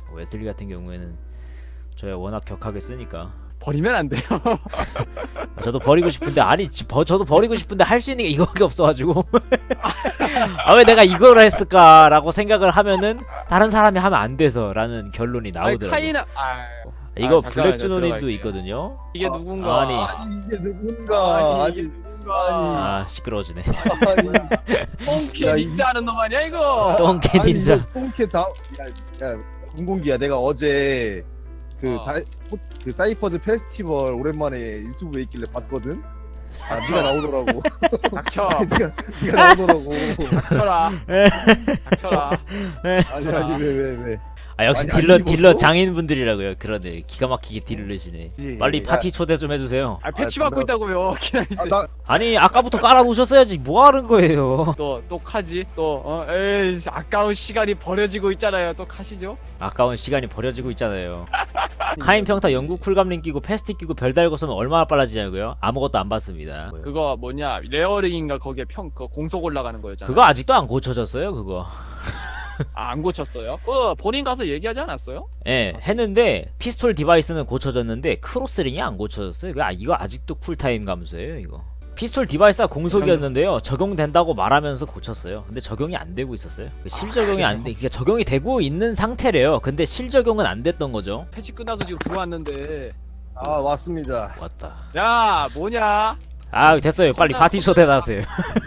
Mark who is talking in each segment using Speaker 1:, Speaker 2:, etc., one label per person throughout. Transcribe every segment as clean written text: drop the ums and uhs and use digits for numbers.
Speaker 1: 웨슬리 같은 경우에는 저야 워낙 격하게 쓰니까
Speaker 2: 버리면 안 돼요.
Speaker 1: 저도 버리고 싶은데 저도 버리고 싶은데 할 수 있는 게 이거밖에 없어가지고 아 왜 내가 이걸 했을까라고 생각을 하면은 다른 사람이 하면 안 돼서라는 결론이 나오더라고요.
Speaker 2: 카이나
Speaker 1: 이거
Speaker 2: 잠깐만요,
Speaker 1: 블랙주노님도
Speaker 2: 들어갈게요.
Speaker 1: 있거든요.
Speaker 2: 이게 누군가?
Speaker 1: 아니.
Speaker 3: 이게 누군가.
Speaker 2: 아니, 이게 누군가?
Speaker 1: 아 시끄러워지네.
Speaker 2: 똥개
Speaker 3: 야, 이-
Speaker 2: 닌자하는 놈 아니야 이거?
Speaker 1: 똥개 닌자.
Speaker 3: 똥개 다. 야, 공공기야. 내가 어제 그 그 사이퍼즈 페스티벌 오랜만에 유튜브에 있길래 봤거든. 아, 네가 나오더라고.
Speaker 2: 닥쳐.
Speaker 3: 네가 나오더라고.
Speaker 2: 닥쳐라. 닥쳐라.
Speaker 3: 아니 왜?
Speaker 1: 아 역시
Speaker 3: 아니,
Speaker 1: 딜러
Speaker 3: 아니, 뭐
Speaker 1: 딜러
Speaker 3: 또?
Speaker 1: 장인분들이라고요. 그러네. 기가 막히게 딜을 내시네. 빨리 파티 초대 좀 해주세요.
Speaker 2: 아 패치
Speaker 3: 아,
Speaker 2: 받고
Speaker 3: 나-
Speaker 2: 있다고요. 기다리세요.
Speaker 3: 나
Speaker 1: 아니 아까부터 깔아놓으셨어야지. 뭐 하는 거예요?
Speaker 2: 또 카지 또 에이 아까운 시간이 버려지고 있잖아요. 또 카시죠?
Speaker 1: 아까운 시간이 버려지고 있잖아요. 카인 평타 영국 쿨감링 끼고 패스틱 끼고 별 달고 쓰면 얼마나 빨라지냐고요? 아무것도 안 봤습니다.
Speaker 2: 그거 뭐냐 레어링인가 거기에 그 공속 올라가는 거였잖아.
Speaker 1: 그거 아직도 안 고쳐졌어요 그거.
Speaker 2: 안 고쳤어요? 그거 본인 가서 얘기하지 않았어요?
Speaker 1: 예, 했는데 피스톨 디바이스는 고쳐졌는데 크로스링이 안 고쳐졌어요. 이거 아직도 쿨타임 감소예요 이거. 피스톨 디바이스가 공속이었는데요. 적용된다고 말하면서 고쳤어요. 근데 적용이 안 되고 있었어요. 실적용이 안 돼. 그러니까 적용이 되고 있는 상태래요. 근데 실적용은 안 됐던 거죠.
Speaker 2: 패치 끝나서 지금 들어왔는데
Speaker 3: 왔습니다.
Speaker 1: 왔다.
Speaker 2: 야 뭐냐?
Speaker 1: 아 됐어요. 빨리 파티 초대하세요.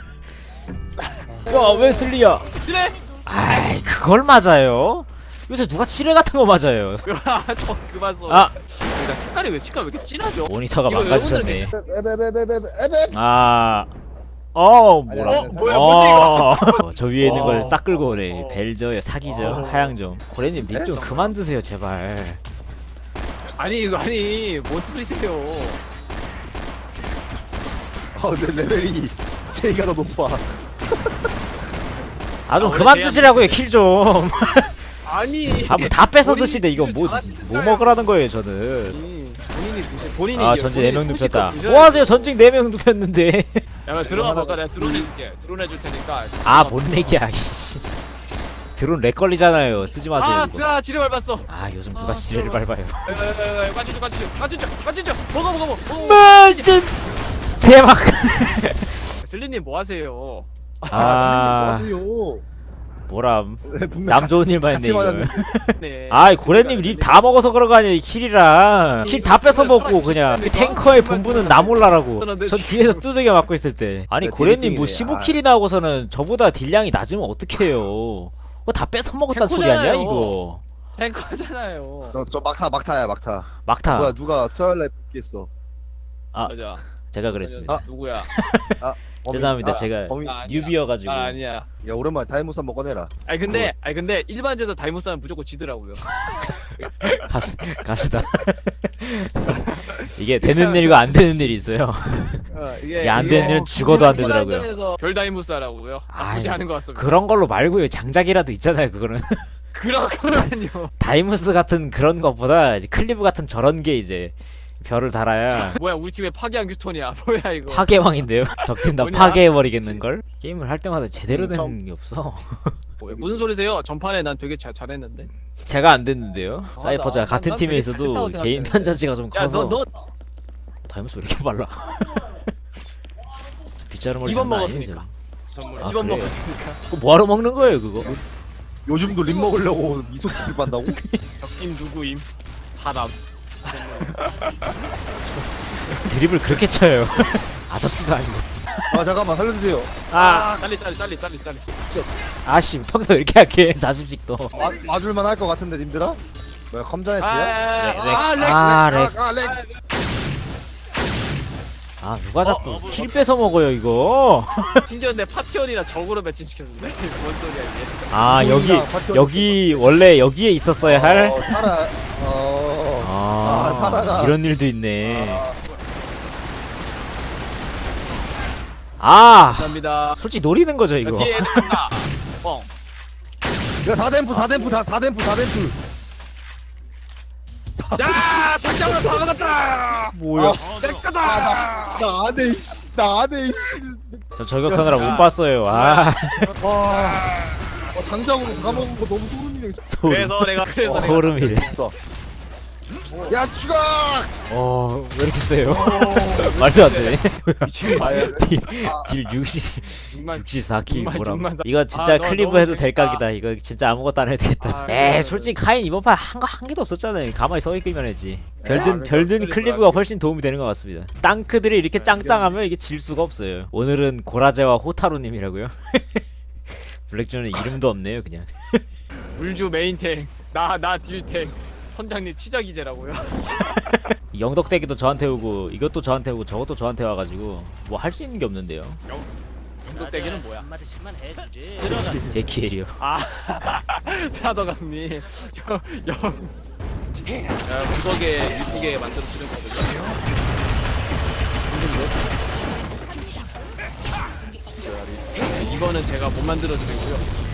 Speaker 1: 야 웨슬리야.
Speaker 2: 그래?
Speaker 1: 아이 그걸 맞아요? 요새 누가 칠해 같은 거 맞아요.
Speaker 2: 저 그만 써.
Speaker 1: 아
Speaker 2: 그러니까 색깔이 왜 이렇게 진하죠?
Speaker 1: 모니터가
Speaker 2: 이거
Speaker 1: 망가지셨네.
Speaker 3: 에베베베베베베.
Speaker 1: 아
Speaker 3: 아니,
Speaker 1: 뭐라.
Speaker 3: 아니,
Speaker 2: 뭐야 뭔데
Speaker 1: 저 위에 있는 걸
Speaker 3: 어.
Speaker 1: 싹 끌고 오네. 벨저요 사기죠. 하양점. 고래님 닉 좀 그만 드세요 제발.
Speaker 2: 아니 뭔 소리세요?
Speaker 3: 내 레벨이 제이가 더 높아.
Speaker 1: 아 좀
Speaker 2: 원래
Speaker 1: 그만
Speaker 2: 제가
Speaker 1: 드시라고요 킬 좀.
Speaker 2: 아니
Speaker 1: 아 뭐 다 뺏어
Speaker 2: 본인이
Speaker 1: 드시네. 이거 뭐
Speaker 2: 잘하시니까요.
Speaker 1: 먹으라는 거예요 저는.
Speaker 2: 본인이
Speaker 1: 아
Speaker 2: 이겨.
Speaker 1: 전직
Speaker 2: 본인이
Speaker 1: 4명 눕혔다.
Speaker 2: 소식껏
Speaker 1: 뭐 하세요 전직 4명 눕혔는데.
Speaker 2: 야 들어가 볼까? 내가 드론 해줄게. 드론 해줄 테니까.
Speaker 1: 아 뭔 렉이야 이씨. 드론 렉 걸리잖아요. 쓰지 마세요 이거.
Speaker 2: 아 지뢰 밟았어.
Speaker 1: 아 요즘 누가
Speaker 2: 아,
Speaker 1: 지뢰를 밟아요.
Speaker 2: 까지죠. 먹어.
Speaker 1: 멋진 대박.
Speaker 2: 슬리님 뭐 하세요?
Speaker 1: 아
Speaker 3: 슬리님 뭐
Speaker 1: 뭐람
Speaker 3: 하세요? 분명
Speaker 1: 남 좋은 일만
Speaker 3: 같이
Speaker 1: 했네 이거.
Speaker 3: 맞았는데.
Speaker 2: 네.
Speaker 1: 아이 고래님 립 다 먹어서 그런 거 아니에요. 킬이랑 킬 다 뺏어 먹고 그냥 그 탱커의 본부는 나 몰라라고. 전 뒤에서 두들겨 맞고 있을 때. 아니
Speaker 3: 네,
Speaker 1: 고래님 뭐
Speaker 3: 딜리팅이네.
Speaker 1: 15킬이 나오고서는 저보다 딜량이 낮으면 어떡해요. 뭐 다 뺏어 먹었단 소리 아니야
Speaker 2: 탱커잖아요.
Speaker 1: 이거.
Speaker 2: 탱커잖아요.
Speaker 3: 저 막타야 막타.
Speaker 1: 막타.
Speaker 3: 뭐야 누가 트와일라이트 했어?
Speaker 1: 아
Speaker 2: 맞아.
Speaker 1: 제가 그랬습니다.
Speaker 2: 누구야?
Speaker 1: 죄송합니다. 제가
Speaker 3: 범인.
Speaker 2: 나 아니야.
Speaker 1: 뉴비여가지고.
Speaker 2: 나 아니야.
Speaker 3: 야 오랜만에 다이모스 한번 꺼내라.
Speaker 2: 아니 근데 일반제에서 다이모스는 무조건 지더라고요.
Speaker 1: 갑시다. 이게 되는 일과 안 되는 일이 있어요. 이게 안 되는 일은 죽어도 안 되더라고요.
Speaker 2: 일반전에서 별 다이모스 하라고요. 나쁘지
Speaker 1: 아이,
Speaker 2: 않은 것 같습니다.
Speaker 1: 그런 걸로 말고요. 장작이라도 있잖아요. 그거는.
Speaker 2: 그렇군요.
Speaker 1: 다이무스 같은 그런 것보다 이제 클리브 같은 저런 게 이제 별을 달아야
Speaker 2: 뭐야 우리 팀에 파괴한 규톤이야. 뭐야 이거.
Speaker 1: 파괴왕인데요. 적팀 다
Speaker 2: 뭐냐?
Speaker 1: 파괴해버리겠는 걸. 게임을 할 때마다 제대로
Speaker 3: 참.
Speaker 1: 되는 게 없어.
Speaker 2: 무슨 소리세요? 전판에 난 되게 잘했는데.
Speaker 1: 제가 안 됐는데요. 사이퍼즈가 같은
Speaker 2: 난
Speaker 1: 팀에
Speaker 2: 되게
Speaker 1: 있어도
Speaker 2: 잘했다고
Speaker 1: 개인
Speaker 2: 생각해.
Speaker 1: 편차치가 좀 커서.
Speaker 2: 야너
Speaker 1: 다이무스 왜 이렇게 빨라? 빗자루머리
Speaker 2: 이번
Speaker 1: 장난
Speaker 2: 먹었으니까.
Speaker 1: 아니죠. 아,
Speaker 2: 이번
Speaker 1: 그래요?
Speaker 2: 먹었으니까.
Speaker 1: 그거 뭐하러 먹는 거예요 그거?
Speaker 3: 요즘도 립 먹으려고 이소키스 한다고?
Speaker 2: 적팀 누구임? 사람.
Speaker 1: 드립을 그렇게 쳐요. 아저씨도 아니고.
Speaker 3: 아 잠깐만 살려주세요.
Speaker 1: 아
Speaker 2: 빨리.
Speaker 1: 아씨 평소 왜 이렇게 약해 40씩도.
Speaker 3: 맞을만 할 것 같은데 님들아? 뭐야 컴자네트야?
Speaker 1: 아 누가 자꾸 킬 뺏어 먹어요 이거.
Speaker 2: 심지어 내 파티원이라 적으로 매칭시켜준대. 뭔 소리야 이게.
Speaker 1: 아 여기
Speaker 3: 소희랑 파티원
Speaker 1: 여기 원래 여기에 있었어야 할.
Speaker 3: 살아. 살아가.
Speaker 1: 이런 일도 있네. 아
Speaker 2: 감사합니다.
Speaker 1: 솔직히 노리는 거죠 이거.
Speaker 2: 뒤에 있다. 뻥.
Speaker 3: 이거 4댐프 다 4댐프.
Speaker 2: 야 장장으로 다 먹었다.
Speaker 1: 뭐야?
Speaker 2: 내 거다.
Speaker 3: 나 안해 이씨. 나 안해 이씨.
Speaker 1: 저 저격하느라 못 봤어요. 아
Speaker 3: 와. 장작으로 다 먹은 거 너무 소름이. 그냥
Speaker 1: 소름.
Speaker 2: 그래서 내가
Speaker 1: 소름이래.
Speaker 3: 써. 야 죽어!
Speaker 1: 왜 이렇게 세요? 말도 안 되네.
Speaker 2: 미친
Speaker 3: 아야.
Speaker 1: 딜 64킬
Speaker 2: 육만,
Speaker 1: 뭐라.
Speaker 2: 육만.
Speaker 1: 이거 진짜
Speaker 2: 아, 너
Speaker 1: 클리브
Speaker 2: 너무
Speaker 1: 해도 될
Speaker 2: 재밌다.
Speaker 1: 각이다. 이거 진짜 아무것도 안 해도 되겠다.
Speaker 2: 아,
Speaker 1: 에이
Speaker 2: 그래,
Speaker 1: 솔직히 카인 이번 판 한 개도 없었잖아요. 가만히 서 있기만 했지. 별든
Speaker 2: 그러니까
Speaker 1: 클리브가 훨씬 도움이 되는 것 같습니다. 땅크들이 이렇게 짱짱하면 이게 질 수가 없어요. 오늘은 고라제와 호타루님이라고요. 블랙존은 이름도 없네요 그냥.
Speaker 2: 물주 메인탱 나 딜탱 선장님 치자기제라고요.
Speaker 1: 영덕대기도 저한테 오고 이것도 저한테 오고 저것도 저한테 와가지고 뭐 할 수 있는 게 없는데요.
Speaker 2: 영덕대기는 뭐야?
Speaker 1: 제키엘이요.
Speaker 2: 아 사도감님 영 구석에 이쁘게 만들어 주는 거거든요. 이거는 제가 못 만들어 드리고요.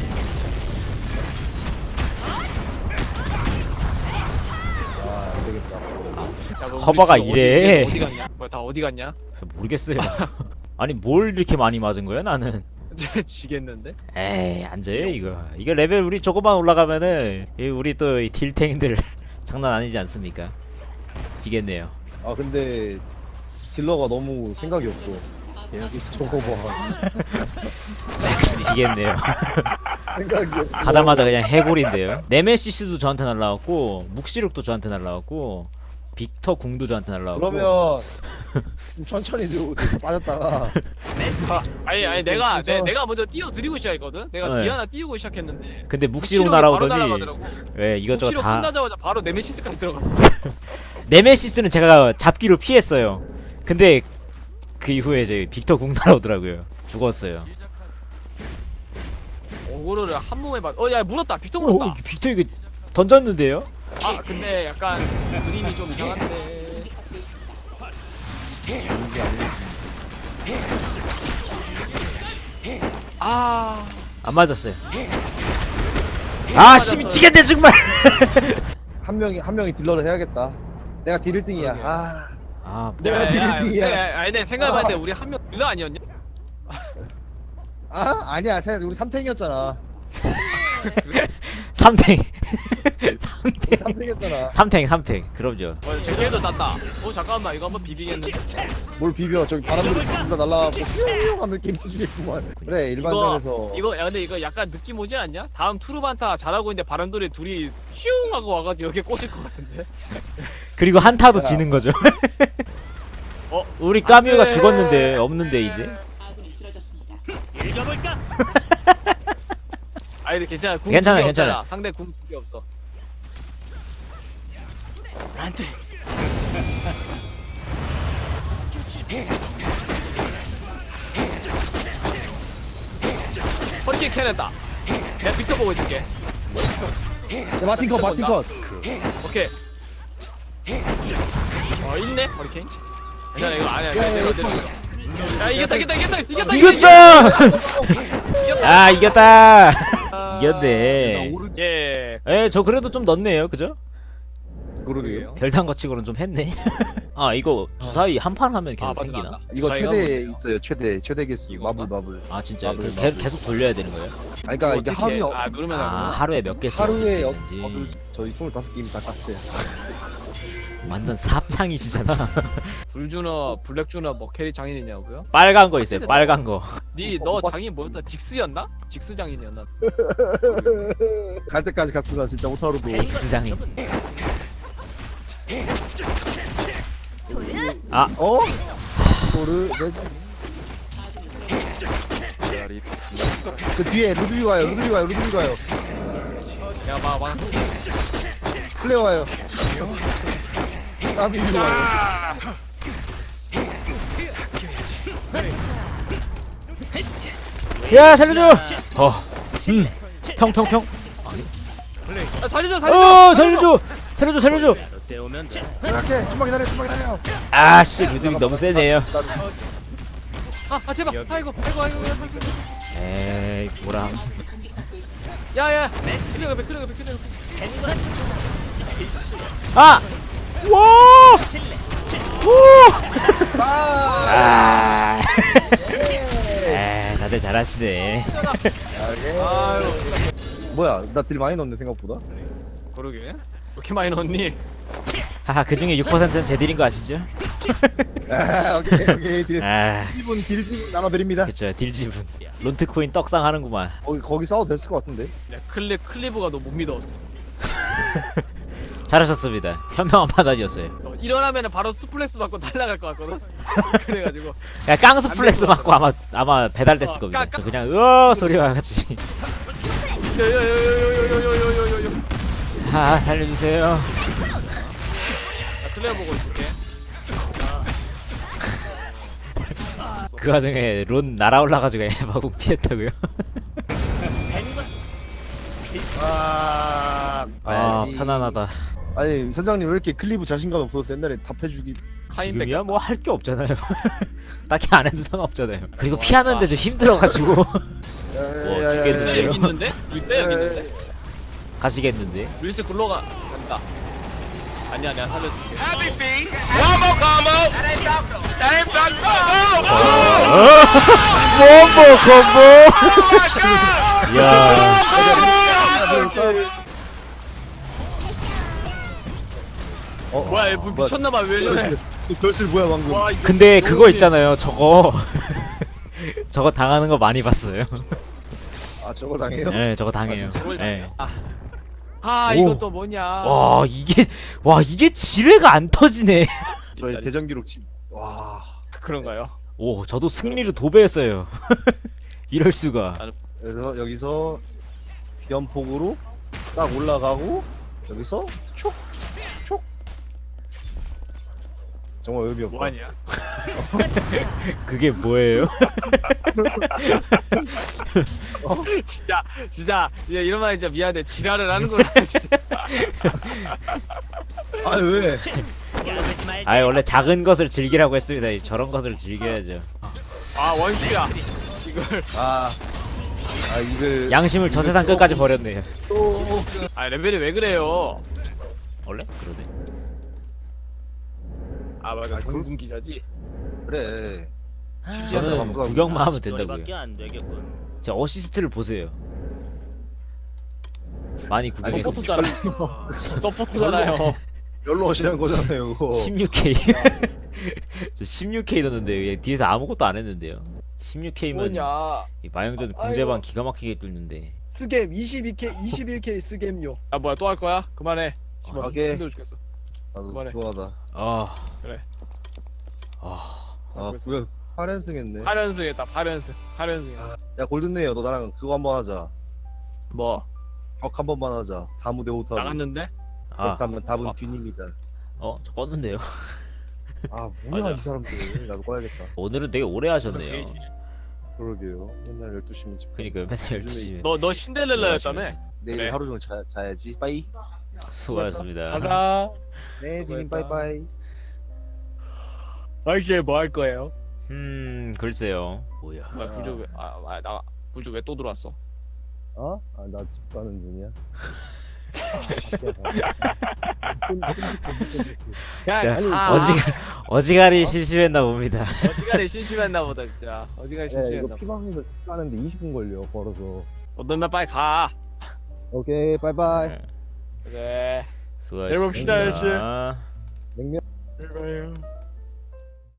Speaker 3: 아 안되겠다.
Speaker 2: 야, 뭐
Speaker 1: 커버가
Speaker 2: 우리
Speaker 1: 이래.
Speaker 2: 어디 갔냐? 뭐야 다 어디 갔냐?
Speaker 1: 모르겠어요. 아니 뭘 이렇게 많이 맞은 거야 나는.
Speaker 2: 지겠는데?
Speaker 1: 에이 앉아요 이거. 이거 레벨 우리 조금만 올라가면은 우리 또 이 딜탱들 장난 아니지 않습니까? 지겠네요.
Speaker 3: 아 근데 딜러가 너무 생각이 없어. 저거 봐.
Speaker 1: 지겠네요.
Speaker 3: 생각이 없어.
Speaker 1: 가자마자 그냥 해골인데요. 네메시스도 저한테 날라왔고 묵시룩도 저한테 날라왔고 빅터 궁도 저한테 날라왔고.
Speaker 3: 그러면 좀 천천히 들어오세요. 빠졌다가
Speaker 2: 아니 내가 먼저 띄워드리고 시작했거든? 내가
Speaker 1: 네.
Speaker 2: 디아나 띄우고 시작했는데
Speaker 1: 근데 묵시룩
Speaker 2: 묵시룩이 바로
Speaker 1: 날아오더니
Speaker 2: 날아가더라고.
Speaker 1: 왜 이것저것
Speaker 2: 묵시룩
Speaker 1: 다.
Speaker 2: 끝나자마자 바로 네메시스까지 들어갔어.
Speaker 1: 네메시스는 제가 잡기로 피했어요. 근데 그 이후에 이제 빅터 궁 날아오더라고요. 죽었어요.
Speaker 2: 오고르를 한 몸에 야 물었다. 빅터 물었다.
Speaker 1: 빅터 이거 던졌는데요?
Speaker 2: 아 근데 약간 그림이 좀 이상한데. 아
Speaker 1: 안 맞았어요. 아, 씨 미치겠네 정말.
Speaker 3: 한 명이 딜러를 해야겠다. 내가 딜 1등이야. 아
Speaker 1: 아,
Speaker 3: 내가 딜 1등이야.
Speaker 2: 아니 내 생각해봤는데 우리 한 명 딜러 아니었냐?
Speaker 3: 아니야. 생각 우리 3탱이었잖아.
Speaker 1: 삼탱.
Speaker 3: 우리 3탱이었잖아.
Speaker 1: 삼탱. 그럼요.
Speaker 2: 제게도 땄다. 잠깐만 이거 한번 비비겠는데?
Speaker 3: 뭘 비벼? 저기 바람들이 다 날라가고 퓨 하면 게임 터지겠구만. 그래 일반전에서
Speaker 2: 이거 야 근데 이거 약간 느낌 오지 않냐? 다음 투르반타 잘하고 있는데 바람돌이 둘이 슝 하고 와가지고 여기 꽂을 것 같은데?
Speaker 1: 그리고 한타도 지는 거죠. 우리 까뮤가 죽었는데 없는데 이제.
Speaker 2: 아니 근데 괜찮아. 궁
Speaker 1: 괜찮아,
Speaker 2: 두개
Speaker 1: 괜찮아.
Speaker 2: 없잖아. 상대 궁 2개 없어. 안돼. 펀치 캐냈다. 내가 빅터 보고 있을게.
Speaker 3: 야, 마틴 컷.
Speaker 2: 오케이. 있네 허리케인. 괜찮아 이거 아니야.
Speaker 3: 야,
Speaker 2: 야 이겼다.
Speaker 1: 이겼다. 아 이겼다. 이겼네.
Speaker 2: 예.
Speaker 1: 저 그래도 좀 넣네요, 그죠?
Speaker 3: 그러게요.
Speaker 1: 별단 거치고는 좀 했네. 아 이거 주사위 한 판 하면 계속
Speaker 2: 맞아,
Speaker 1: 생기나?
Speaker 2: 나왔다.
Speaker 3: 이거
Speaker 2: 저희가
Speaker 3: 최대 있어요. 최대 개수.
Speaker 2: 이건가?
Speaker 3: 마블.
Speaker 1: 아 진짜
Speaker 3: 마블.
Speaker 1: 계속 돌려야 되는 거예요?
Speaker 3: 아니 그러니까 이게 하루에
Speaker 2: 누르면
Speaker 1: 아 하루에 몇 개씩
Speaker 3: 하루에
Speaker 1: 얻을 수 있는지.
Speaker 3: 저희 25게임 다 깠어요.
Speaker 1: 완전 삽창이시잖아.
Speaker 2: 불주너 블랙주너 뭐 캐리 장인이냐고요?
Speaker 1: 빨간 거 있어요, 빨간 거.
Speaker 2: 너 장인 뭐였다? 직스였나? 직스 장인이었나?
Speaker 3: 갈 때까지 갔구나 진짜 오타로도.
Speaker 1: 직스 장인. 아
Speaker 3: 어? 도르 그 뒤에 루드비 가요.
Speaker 2: 야 막
Speaker 3: 플레어 와요. 까비 와요.
Speaker 1: 야 살려줘. 평평평.
Speaker 2: 살려줘.
Speaker 1: 살려줘.
Speaker 3: 갈게. 좀만 기다려.
Speaker 1: 아씨 루드빅 너무 세네요.
Speaker 2: 제발. 아이고.
Speaker 1: 에이 뭐라.
Speaker 2: 야야. 클리어.
Speaker 1: 아. 와. 오.
Speaker 3: 아.
Speaker 1: 다들 잘하시네.
Speaker 2: 아유.
Speaker 3: 뭐야 나 딜 많이 넣었네 생각보다.
Speaker 2: 그러게 왜 이렇게 많이 넣었니?
Speaker 1: 하하 그 중에 6%는 제 딜인 거 아시죠?
Speaker 3: 오케이 딜
Speaker 1: 아
Speaker 3: 지분 딜 지분 나눠드립니다.
Speaker 1: 그쵸 딜 지분. 론트코인 떡상 하는구만.
Speaker 3: 거기 싸워도 됐을 것 같은데.
Speaker 2: 야, 클리브가 너 못 믿어왔어.
Speaker 1: 잘하셨습니다. 현명한 판단이었어요.
Speaker 2: 일어나면은 바로 스플래스 받고 날아갈 것 같거든. 그래가지고
Speaker 1: 야 깡스 플렉스 맞고 아마 배달됐을
Speaker 2: 어,
Speaker 1: 겁니다.
Speaker 2: 깡-
Speaker 1: 그냥 으어 소리와 같이.
Speaker 2: 요요요요요요요요요요.
Speaker 1: 아 살려주세요.
Speaker 2: 나 클리어 보고 있을게.
Speaker 1: 그 와중에 론 날아올라가지고 에바공 피했다고요?
Speaker 3: 아
Speaker 1: 아 편안하다.
Speaker 3: 아니 선장님 왜 이렇게 클리브 자신감 없어서 옛날에 답해주기.
Speaker 1: 지금이야 뭐 할 게 없잖아요. 딱히 안 해도 상관없잖아요. 그리고 피하는데 좀 힘들어가지고 죽겠는데요?
Speaker 2: 여기 있는데? 루이스 여기 있는데?
Speaker 1: 가시겠는데?
Speaker 2: 루이스 글로가 간다. 아니야 살려줄게.
Speaker 1: 콤보 야
Speaker 2: 뭐야 얘 미쳤나봐 왜 이러네.
Speaker 3: 별실 뭐야 방금.
Speaker 2: 와 이거
Speaker 1: 근데 그거 있잖아요 저거 저거 당하는 거 많이 봤어요.
Speaker 3: 아 저걸 당해요?
Speaker 1: 네 저거 당해요.
Speaker 2: 저걸
Speaker 1: 네.
Speaker 2: 아
Speaker 1: 오.
Speaker 2: 이것도 뭐냐.
Speaker 1: 와 이게 지뢰가 안 터지네.
Speaker 3: 저희 대전 기록 와.
Speaker 2: 그런가요?
Speaker 1: 오 저도 승리를 도배했어요. 이럴 수가.
Speaker 3: 그래서 여기서 비연폭으로 딱 올라가고 여기서 촉 정말 의미 없다.
Speaker 2: 뭐하냐?
Speaker 1: 그게 뭐예요?
Speaker 2: 진짜 얘 이런 말 진짜 미안해. 지랄을 하는구나 진짜.
Speaker 3: 아 왜?
Speaker 1: 아 원래 작은 것을 즐기라고 했습니다. 저런 것을 즐겨야죠.
Speaker 2: 아 원슈야. 이걸
Speaker 3: 이걸
Speaker 1: 양심을 저 세상 끝까지 버렸네요.
Speaker 3: 또
Speaker 2: 아 레벨이 왜 그래요?
Speaker 1: 원래 그러네.
Speaker 2: 아 맞아
Speaker 3: 아,
Speaker 2: 공군 기자지.
Speaker 3: 그래.
Speaker 1: 저는 구경만 하면 된다고요.
Speaker 4: 너희밖에 안 되겠군.
Speaker 1: 제 어시스트를 보세요. 많이 구경했습니다.
Speaker 2: 서포터잖아요. 서포터잖아요.
Speaker 3: 열로 하시는 거잖아요. 그거.
Speaker 1: 16K. 저 16K 넣었는데 뒤에서 아무것도 안 했는데요. 16K면
Speaker 2: 뭐냐?
Speaker 1: 마영전 공제방 기가 막히게 뚫는데.
Speaker 5: 스겜 22K 21K 스겜요.
Speaker 2: 아 뭐야 또 할 거야? 그만해. 씨발,
Speaker 3: 하게.
Speaker 2: 힘들어 죽겠어.
Speaker 3: 나도
Speaker 2: 그만해.
Speaker 3: 좋아하다.
Speaker 1: 아
Speaker 2: 그래.
Speaker 3: 아 구경 8연승 했네.
Speaker 2: 8연승 했다. 8연승. 8연승.
Speaker 3: 야 골든네요. 너 나랑 그거 한번 하자.
Speaker 2: 뭐
Speaker 3: 벽 한 번만 하자. 다무 대 오타루.
Speaker 2: 나갔는데?
Speaker 3: 답은 뒷입니다.
Speaker 1: 저 껐는데요.
Speaker 3: 아 뭐야
Speaker 2: 맞아.
Speaker 3: 이 사람들. 나도 꺼야겠다.
Speaker 1: 오늘은 되게 오래 하셨네요.
Speaker 3: 그러게요. 맨날 12시면 집.
Speaker 1: 그러니까 맨날 12시.
Speaker 2: 너 신데렐라였다며?
Speaker 3: 내일
Speaker 2: 그래.
Speaker 3: 하루 종일 자야지. 빠이.
Speaker 1: 수고하셨습니다.
Speaker 2: 가자.
Speaker 3: 네, 디님
Speaker 2: 수고했다.
Speaker 3: 빠이빠이.
Speaker 2: 아이씨 뭐 할 거예요?
Speaker 1: 글쎄요. 뭐야?
Speaker 2: 뭐야 부주 왜? 나 부주 왜 또 들어왔어?
Speaker 5: 어? 아 나 집 가는 중이야.
Speaker 2: 야,
Speaker 1: 진짜 어지간히 심심했나 봅니다.
Speaker 2: 어지간히 심심했나 보다 진짜. 어지간히
Speaker 5: 야
Speaker 2: 심심했나
Speaker 5: 이거
Speaker 2: 보다.
Speaker 5: 피방에서 집 가는데 20분 걸려 걸어서.
Speaker 2: 너면 빨리 가.
Speaker 5: 오케이 바이바이.
Speaker 2: 그래.
Speaker 1: 수고하셨습니다.
Speaker 2: 내일 봅시다,
Speaker 5: 냉면.
Speaker 2: 拜拜。